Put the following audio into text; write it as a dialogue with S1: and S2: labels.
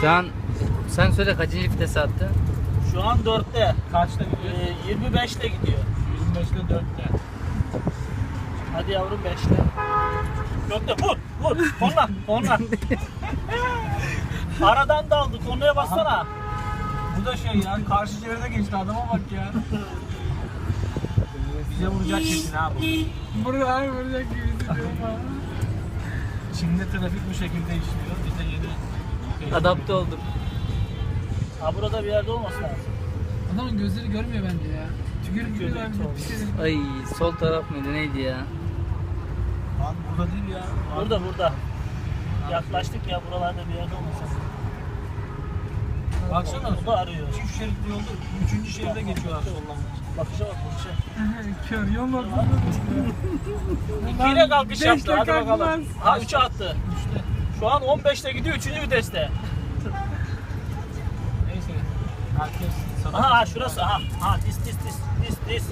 S1: Şu an sen söyle kaçıncı vitese attı?
S2: Şu an 4'te.
S3: Kaçta gidiyor?
S2: 25'te gidiyor.
S3: 25'te 4'te.
S2: Hadi yavrum 5'te. 4'te vur vur. Korna. Aradan daldı. Kornaya bassana.
S3: Bu da şey ya, karşı çevrede geçti, adama bak ya. Bize vuracak kesin ha bu.
S4: Burada abi vuracak gibi.
S3: Çin'de trafik bu şekilde işliyor. Biz de yeni
S1: Adapte olduk.
S2: Ha burada bir yerde olması lazım.
S4: Adamın gözleri görmüyor bence ya. Tükürük gibi
S2: Gözleri
S4: ben
S2: çoğalıyor.
S4: pis dedim.
S1: Ay sol taraf mıydı neydi ya?
S3: Lan burada değil ya.
S2: Burada. Yaklaştık ya, buralarda bir yerde olması lazım.
S3: Baksana,
S2: Bu da arıyor.
S3: çift şeritli yolda 3. şeride geçiyorlar soldan.
S2: Bakışa bak bakışa.
S4: Kör yol var.
S2: 2 ile kalkış yaptı.
S4: beşte
S2: Hadi bakalım.
S4: kalkmaz.
S2: Ha 3'e attı. Şu an 15'te gidiyor 3. viteste.
S3: Neyse. Herkes sana...
S2: Aha şurası. Aha. Ha dis.